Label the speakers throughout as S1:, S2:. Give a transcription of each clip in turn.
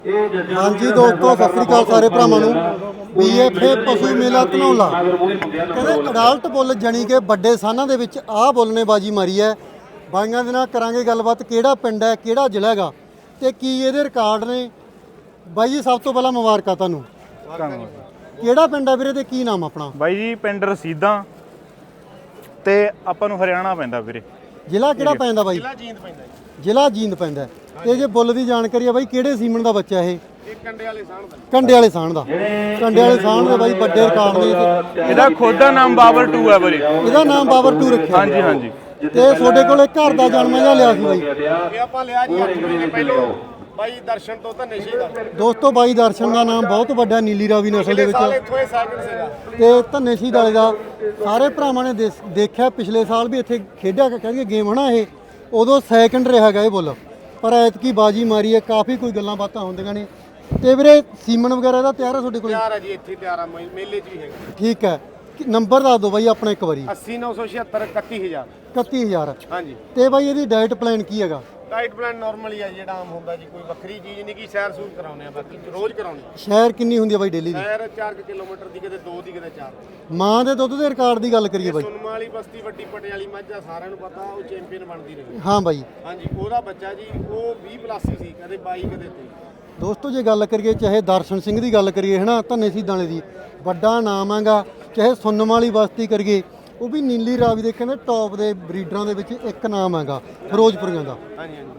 S1: ਹਾਂਜੀ ਦੋਸਤੋ, ਸਤਿ ਸ੍ਰੀ ਅਕਾਲ ਸਾਰੇ ਭਰਾਵਾਂ ਨੂੰ। BFA ਪਸ਼ੂ ਮੇਲਾ ਧਨੌਲਾ ਕਹਿੰਦੇ ਅਡਾਲਟ ਬੁੱਲ ਜਾਣੀ ਕਿ ਵੱਡੇ ਸਾਨਾਂ ਦੇ ਵਿੱਚ ਆਹ ਬੁੱਲ ਨੇ ਬਾਜੀ ਮਾਰੀ ਹੈ। ਬਾਈਆਂ ਦੇ ਨਾਲ ਕਰਾਂਗੇ ਗੱਲਬਾਤ, ਕਿਹੜਾ ਪਿੰਡ ਹੈ, ਕਿਹੜਾ ਜ਼ਿਲ੍ਹਾ ਹੈਗਾ ਤੇ ਕੀ ਇਹਦੇ ਰਿਕਾਰਡ ਨੇ। ਬਾਈ ਜੀ ਸਭ ਤੋਂ ਪਹਿਲਾਂ ਮੁਬਾਰਕਾਂ ਤੁਹਾਨੂੰ। ਕਿਹੜਾ ਪਿੰਡ ਹੈ ਵੀਰੇ ਤੇ ਕੀ ਨਾਮ ਆਪਣਾ?
S2: ਬਾਈ ਜੀ ਪਿੰਡ ਰਸੀਦਾਂ ਤੇ ਆਪਾਂ ਨੂੰ ਹਰਿਆਣਾ ਪੈਂਦਾ ਵੀਰੇ।
S1: ਜ਼ਿਲ੍ਹਾ ਕਿਹੜਾ ਪੈਂਦਾ ਬਾਈ? ਜ਼ਿਲ੍ਹਾ ਜੀਂਦ ਪੈਂਦਾ। ਤੇ ਜੇ ਬੁੱਲ ਦੀ ਜਾਣਕਾਰੀ ਆ ਬਾਈ, ਕਿਹੜੇ ਸੀਮਨ ਦਾ ਬੱਚਾ ਇਹ? ਕੰਡੇ ਵਾਲੇ ਸਾਹਣ ਦਾ। ਕੰਡੇ ਵਾਲੇ ਸਾਹਣ ਦੇ ਬਾਈ ਵੱਡੇ ਰਿਕਾਰਡ ਨੇ।
S2: ਇਹਦਾ ਖੁਦ ਦਾ ਨਾਮ ਬਾਬਰ 2 ਹੈ ਵੀਰੇ।
S1: ਇਹਦਾ ਨਾਮ ਬਾਬਰ 2 ਰੱਖਿਆ।
S2: ਹਾਂਜੀ ਹਾਂਜੀ।
S1: ਤੇ ਤੁਹਾਡੇ ਕੋਲੇ ਘਰ ਦਾ ਜਨਮ ਜਾਂ ਲਿਆ ਸੀ ਬਾਈ?
S3: ਇਹ ਆਪਾਂ ਲਿਆ ਜੀ 8 ਮਹੀਨੇ ਪਹਿਲਾਂ ਬਾਈ ਦਰਸ਼ਨ ਤੋਂ ਧੰਨੇ ਸ਼ਹੀਦ ਦਾ।
S1: ਦੋਸਤੋ ਬਾਈ ਦਰਸ਼ਨ ਦਾ ਨਾਮ ਬਹੁਤ ਵੱਡਾ, ਨੀਲੀ ਰਾਵੀ ਨਸਲ ਦੇ ਵਿੱਚ।
S3: ਇੱਥੋਂ ਇਹ ਸੈਕਿੰਡ ਸੀਗਾ
S1: ਤੇ ਧੰਨੇ ਸ਼ਹੀਦ ਵਾਲੇ ਦਾ ਸਾਰੇ ਭਰਾਵਾਂ ਨੇ ਦੇਖਿਆ, ਪਿਛਲੇ ਸਾਲ ਵੀ ਇੱਥੇ ਖੇਡਿਆ ਕਹਿੰਦੇ ਗੇਮ ਹਨਾ, ਇਹ ਉਦੋਂ ਸੈਕਿੰਡ ਰਿਹਾ ਹੈਗਾ ਇਹ ਬੁੱਲ, ਪਰ ਐਤਕੀ ਬਾਜੀ ਮਾਰੀ ਹੈ। ਕਾਫੀ ਕੋਈ ਗੱਲਾਂ ਬਾਤਾਂ ਹੁੰਦੀਆਂ ਨੇ। ਤੇ ਵੀਰੇ ਸੀਮਨ ਵਗੈਰਾ ਦਾ ਤਿਆਰ ਹੈ ਤੁਹਾਡੇ ਕੋਲ?
S3: ਤਿਆਰ ਹੈ ਜੀ, ਇੱਥੇ ਤਿਆਰ ਆ, ਮੇਲੇ 'ਚ ਵੀ ਹੈਗਾ।
S1: ਠੀਕ ਹੈ, ਨੰਬਰ ਦੱਸ ਦਿਓ ਬਾਈ ਆਪਣਾ ਇੱਕ ਵਾਰੀ।
S3: 80 976 31000।
S1: 31000
S3: ਹਾਂਜੀ।
S1: ਤੇ ਬਾਈ ਇਹਦੀ ਡਾਈਟ ਪਲਾਨ ਕੀ ਹੈਗਾ?
S3: ਡਾਈਟ ਪਲਾਨ ਨਾਰਮਲ ਹੀ ਆ ਜਿਹੜਾ ਆਮ ਹੁੰਦਾ ਜੀ, ਕੋਈ ਵੱਖਰੀ ਚੀਜ਼ ਨਹੀਂ ਕਿ ਸੈਰ ਸੂਰ ਕਰਾਉਨੇ ਆ, ਬਾਕੀ ਰੋਜ਼ ਕਰਾਉਨੇ ਆ।
S1: ਸ਼ਹਿਰ ਕਿੰਨੀ ਹੁੰਦੀ ਹੈ ਬਾਈ ਡੇਲੀ ਦੀ?
S3: ਸੈਰ 4 ਕਿਲੋਮੀਟਰ ਦੀ, ਕਿਤੇ 2 ਦੀ, ਕਿਤੇ 4।
S1: ਮਾਂ ਦੇ ਦੁੱਧ ਦੇ ਰਿਕਾਰਡ ਦੀ ਗੱਲ ਕਰੀਏ ਬਾਈ?
S3: ਸੁਨਮਾ ਵਾਲੀ ਬਸਤੀ ਵੱਡੀ ਪਟੇ ਵਾਲੀ ਮੱਝ ਆ, ਸਾਰਿਆਂ ਨੂੰ ਪਤਾ, ਉਹ ਚੈਂਪੀਅਨ ਬਣਦੀ ਰਹੀ।
S1: ਹਾਂ ਬਾਈ।
S3: ਹਾਂਜੀ, ਉਹਦਾ ਬੱਚਾ ਜੀ ਉਹ 20 ਪਲੱਸ ਹੀ ਸੀ, ਕਦੇ 22 ਕਦੇ 23।
S1: ਦੋਸਤੋ ਜੇ ਗੱਲ ਕਰੀਏ, ਚਾਹੇ ਦਰਸ਼ਨ ਸਿੰਘ ਦੀ ਗੱਲ ਕਰੀਏ ਹਨਾ, ਧੰਨੇ ਸ਼ਹੀਦਾਂ ਵਾਲੇ ਦੀ ਵੱਡਾ ਨਾਮ ਹੈਗਾ, ਚਾਹੇ ਸੁਨਮ ਵਾਲੀ ਬਸਤੀ ਕਰੀਏ, ਉਹ ਵੀ ਨੀਲੀ ਰਾਵੀ ਦੇ ਕਹਿੰਦੇ ਟੌਪ ਦੇ ਬਰੀਡਰਾਂ ਦੇ ਵਿੱਚ ਇੱਕ ਨਾਮ ਹੈਗਾ ਫਿਰੋਜ਼ਪੁਰੀਆਂ ਦਾ।
S3: ਹਾਂਜੀ ਹਾਂਜੀ।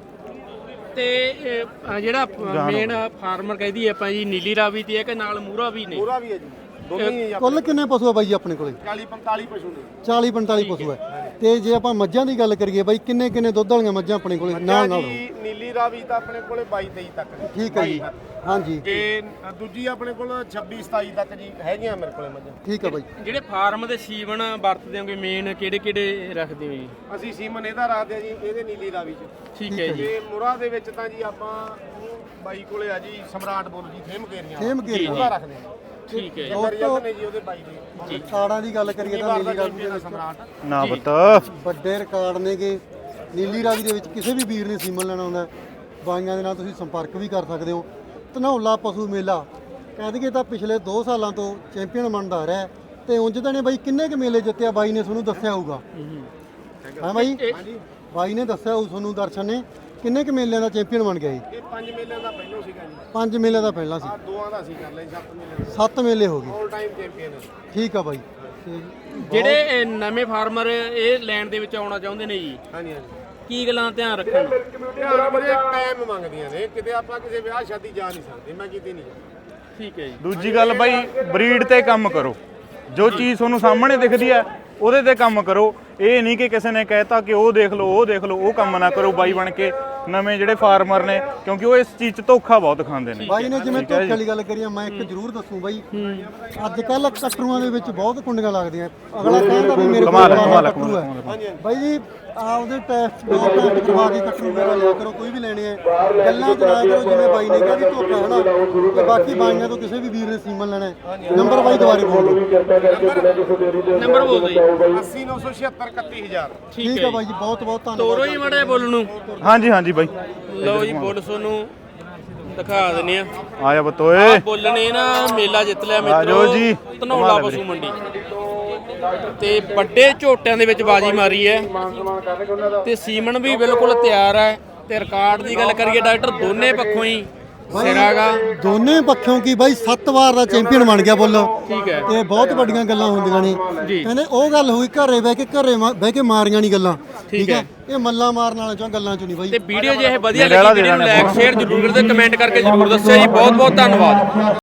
S4: ਤੇ ਜਿਹੜਾ ਮੇਨ ਫਾਰਮਰ ਕਹਿੰਦੀ ਆਪਾਂ ਜੀ ਨੀਲੀ ਰਾਵੀ ਤੇ ਹੈ ਕਿ ਨਾਲ ਮੂਰਾ ਵੀ ਨੇ?
S3: ਪੂਰਾ ਵੀ ਹੈ ਜੀ, ਦੋਨੇ ਹੀ।
S1: ਕੁੱਲ ਕਿੰਨੇ ਪਸ਼ੂ ਆ ਬਾਈ ਜੀ ਆਪਣੇ ਕੋਲੇ?
S3: 40 45 ਪਸ਼ੂ ਨੇ।
S1: 40 45 ਪਸ਼ੂ ਹੈ। ਤੇ ਜੇ ਆਪਾਂ ਮੱਝਾਂ ਦੀ ਗੱਲ ਕਰੀਏ ਬਾਈ, ਕਿੰਨੇ ਕਿੰਨੇ ਦੁੱਧ ਵਾਲੀਆਂ ਮੱਝਾਂ ਆਪਣੇ ਕੋਲੇ ਨਾਲ ਨਾਲ?
S3: ਜੀ ਨੀਲੀ ਰਾਵੀ ਤਾਂ ਆਪਣੇ ਕੋਲੇ 22 23 ਤੱਕ ਨੇ।
S1: ਠੀਕ ਹੈ ਜੀ। ਹਾਂਜੀ।
S3: ਤੇ ਦੂਜੀ ਆਪਣੇ ਕੋਲ 26 27 ਤੱਕ ਜੀ ਹੈਗੀਆਂ ਮੇਰੇ ਕੋਲੇ ਮੱਝਾਂ।
S1: ਠੀਕ ਹੈ ਬਾਈ।
S4: ਜਿਹੜੇ ਫਾਰਮ ਦੇ ਸੀਵਨ ਵਰਤਦੇ ਹੋਗੇ ਮੇਨ ਕਿਹੜੇ ਕਿਹੜੇ ਰੱਖਦੇ ਹੋ ਜੀ?
S3: ਅਸੀਂ ਸੀਮਨ ਇਹਦਾ ਰੱਖਦੇ ਆ ਜੀ, ਇਹਦੇ ਨੀਲੀ ਰਾਵੀ ਚ।
S4: ਠੀਕ ਹੈ ਜੀ।
S3: ਤੇ ਮੁਰਾ ਦੇ ਵਿੱਚ ਤਾਂ ਜੀ ਆਪਾਂ ਬਾਈ ਕੋਲੇ ਆ ਜੀ ਸਮਰਾਟ ਬੋਲ ਜੀ, ਫੇਮ ਕੇਰੀਆਂ ਉਹਦਾ ਰੱਖਦੇ ਆ।
S4: ਠੀਕ ਹੈ ਜੀ।
S3: ਰਿਜ਼ਲਟ ਨੇ ਜੀ ਉਹਦੇ ਬਾਈ ਦੇ।
S1: ਰਿਕਾਰਡਾਂ ਦੀ ਗੱਲ ਕਰੀਏ ਤਾਂ ਨੀਲੀ ਰਾਵੀ ਦੇ
S3: ਸਮਰਾਟ
S2: ਨਾ ਪਤਾ
S1: ਵੱਡੇ ਰਿਕਾਰਡ ਨੇਗੇ। ਨੀਲੀ ਰਾਵੀ ਦੇ ਵਿੱਚ ਕਿਸੇ ਵੀ ਵੀਰ ਨੇ ਸੀਮਨ ਲੈਣਾ ਹੁੰਦਾ, ਬਾਈਆਂ ਦੇ ਨਾਲ ਤੁਸੀਂ ਸੰਪਰਕ ਵੀ ਕਰ ਸਕਦੇ ਹੋ। ਧਨੌਲਾ ਪਸ਼ੂ ਮੇਲਾ ਕਹਿ ਦਈਏ ਤਾਂ ਪਿਛਲੇ 2 ਸਾਲਾਂ ਤੋਂ ਚੈਂਪੀਅਨ ਬਣਦਾ ਆ ਰਿਹਾ। ਤੇ ਉਂਝ ਤਾਂ ਨੇ ਬਾਈ ਕਿੰਨੇ ਕੁ ਮੇਲੇ ਜਿੱਤਿਆ ਬਾਈ ਨੇ ਤੁਹਾਨੂੰ ਦੱਸਿਆ ਹੋਊਗਾ? ਹਾਂ ਬਾਈ, ਬਾਈ ਨੇ ਦੱਸਿਆ ਹੋਊ ਤੁਹਾਨੂੰ, ਦਰਸ਼ਨ ਨੇ ਕਿੰਨੇ ਕੁ ਮੇਲਿਆਂ ਦਾ ਚੈਂਪੀਅਨ ਬਣ ਗਿਆ ਜੀ?
S3: ਇਹ 5 ਮੇਲਿਆਂ ਦਾ ਪਹਿਲਾਂ ਸੀਗਾ ਜੀ।
S1: 5 ਮੇਲਿਆਂ ਦਾ ਪਹਿਲਾਂ ਸੀ।
S3: ਦੋਆਂ ਦਾ ਸੀ ਕਰ ਲਈ 7 ਮੇਲਿਆਂ ਦਾ।
S1: 7 ਮੇਲੇ ਹੋ ਗਏ।
S3: All time champion.
S1: ਠੀਕ ਆ ਬਾਈ। ਤੇ
S4: ਜਿਹੜੇ ਨਵੇਂ ਫਾਰਮਰ ਇਹ ਲੈਣ ਦੇ ਵਿੱਚ ਆਉਣਾ ਚਾਹੁੰਦੇ ਨੇ ਜੀ,
S3: ਹਾਂਜੀ ਹਾਂਜੀ,
S4: ਕੀ ਗੱਲਾਂ ਧਿਆਨ ਰੱਖਣ?
S3: ਧਿਆਨ ਵੀਰੇ ਟਾਈਮ ਮੰਗਦੀਆਂ ਨੇ, ਕਿਤੇ ਆਪਾਂ ਕਿਸੇ ਵਿਆਹ ਸ਼ਾਦੀ ਜਾ ਨਹੀਂ ਸਕਦੇ, ਮੈਂ ਕਿਤੇ ਨਹੀਂ ਜਾਂਦਾ।
S4: ਠੀਕ ਹੈ ਜੀ।
S2: ਦੂਜੀ ਗੱਲ ਬਾਈ, ਬਰੀਡ ਤੇ ਕੰਮ ਕਰੋ। ਜੋ ਚੀਜ਼ ਤੁਹਾਨੂੰ ਸਾਹਮਣੇ ਦਿਖਦੀ ਹੈ ਉਹਦੇ ਤੇ ਕੰਮ ਕਰੋ। ਇਹ ਨਹੀਂ ਕਿ ਕਿਸੇ ਨੇ ਕਹਿਤਾ ਕਿ ਉਹ ਦੇਖ ਲਓ ਉਹ ਦੇਖ ਲਓ, ਉਹ ਕੰਮ ਨਾ ਕਰੋ ਬਾਈ ਬਣ ਕੇ। ਨਵੇਂ ਜਿਹੜੇ ਫਾਰਮਰ ਨੇ, ਕਿਉਂਕਿ ਉਹ ਇਸ ਚੀਜ਼ 'ਚ ਧੋਖਾ ਬਹੁਤ ਖਾਂਦੇ ਨੇ।
S1: ਬਾਈ ਨੇ ਜਿਵੇਂ ਧੋਖੇ ਵਾਲੀ ਗੱਲ ਕਰੀ ਆ, ਮੈਂ ਇੱਕ ਜ਼ਰੂਰ ਦੱਸੂ ਬਾਈ, ਅੱਜ ਕੱਲ ਕਟਰੂਆਂ ਦੇ ਵਿੱਚ ਬਹੁਤ ਕੁੰਡੀਆਂ ਲੱਗਦੀਆਂ। ਅਗਲਾ ਕਹਿੰਦਾ ਵੀ ਮੇਰੇ ਕੋਲ ਕਟਰੂ ਹੈ। ਬਾਈ ਜੀ ਆਪਦੇ ਟੈਸਟ ਦੋ ਟੈਸਟ ਕਰਵਾ ਕੇ ਕਟਰੂ ਵਗੈਰਾ ਲਿਆ ਕਰੋ, ਕੋਈ ਵੀ ਲੈਣੇ ਆ। ਗੱਲਾਂ ਚ ਨਾ ਕਰੋ ਜਿਵੇਂ ਬਾਈ ਨੇ ਕਿਹਾ ਕਿ ਧੋਖਾ ਹੈ ਨਾ। ਤੇ ਬਾਕੀ ਬਾਈਆਂ ਤੋਂ ਕਿਸੇ ਵੀ ਵੀਰ ਨੇ ਸੀਮਨ ਲੈਣਾ ਹੈ, ਨੰਬਰ ਬਾਈ ਦੁਬਾਰੇ ਬੋਲ ਦਿਓ।
S4: ਨੰਬਰ ਬੋਲ ਦਿਓ ਜੀ।
S3: 80 976 31000।
S1: ਠੀਕ ਹੈ ਬਾਈ ਜੀ, ਬਹੁਤ ਬਹੁਤ ਧੰਨਵਾਦ।
S4: ਤੋਰੋ ਹੀ ਮੜੇ ਬੁੱਲ ਨੂੰ।
S2: ਹਾਂਜੀ ਹਾਂਜੀ ਬਾਈ,
S4: ਲਓ ਜੀ ਬੁੱਲ ਤੁਹਾਨੂੰ ਦਿਖਾ ਦਿੰਨੇ ਆ।
S2: ਆਇਆ ਬਤੋਏ।
S4: ਬੁੱਲ ਨੇ ਨਾ ਮੇਲਾ ਜਿੱਤ ਲਿਆ
S2: ਆਜੋ ਜੀ।
S4: ਮਿੱਤਰੋ, ਧਨੌਲਾ ਪਸ਼ੂ ਮੰਡੀ ਤੇ ਵੱਡੇ ਝੋਟਿਆਂ ਦੇ ਵਿੱਚ ਬਾਜੀ ਮਾਰੀ ਹੈ। ਤੇ ਸੀਮਨ ਵੀ ਬਿਲਕੁਲ ਤਿਆਰ ਹੈ। ਤੇ ਰਿਕਾਰਡ ਦੀ ਗੱਲ ਕਰੀਏ, ਡਾਕਟਰ ਦੋਨੇ ਪੱਖੋਂ ਹੀ ਸਿਰਾਗਾ।
S1: ਦੋਨੇ ਪੱਖੋਂ ਕੀ ਬਾਈ 7 ਵਾਰ ਦਾ ਚੈਂਪੀਅਨ ਬਣ ਗਿਆ ਬੁੱਲ।
S4: ਠੀਕ ਹੈ।
S1: ਤੇ ਬਹੁਤ ਵੱਡੀਆਂ ਗੱਲਾਂ ਹੁੰਦੀਆਂ ਨੇ। ਕਹਿੰਦੇ ਉਹ ਗੱਲ ਹੋਈ ਘਰੇ ਬਹਿ ਕੇ ਮਾਰੀਆਂ ਨਹੀਂ ਗੱਲਾਂ। ਠੀਕ ਹੈ। ਇਹ ਮੱਲਾਂ ਮਾਰਨ ਵਾਲਿਆਂ ਚੋਂ ਗੱਲਾਂ ਚੋਂ ਨਹੀਂ ਬਾਈ।
S4: ਤੇ ਵੀਡੀਓ ਜੇ ਇਹ ਵਧੀਆ ਲੱਗੀ, ਵੀਡੀਓ ਨੂੰ ਲਾਈਕ ਸ਼ੇਅਰ ਜ਼ਰੂਰ ਕਰਦੇ, ਕਮੈਂਟ ਕਰਕੇ ਜ਼ਰੂਰ ਦੱਸਿਓ ਜੀ। ਬਹੁਤ ਬਹੁਤ ਧੰਨਵਾਦ।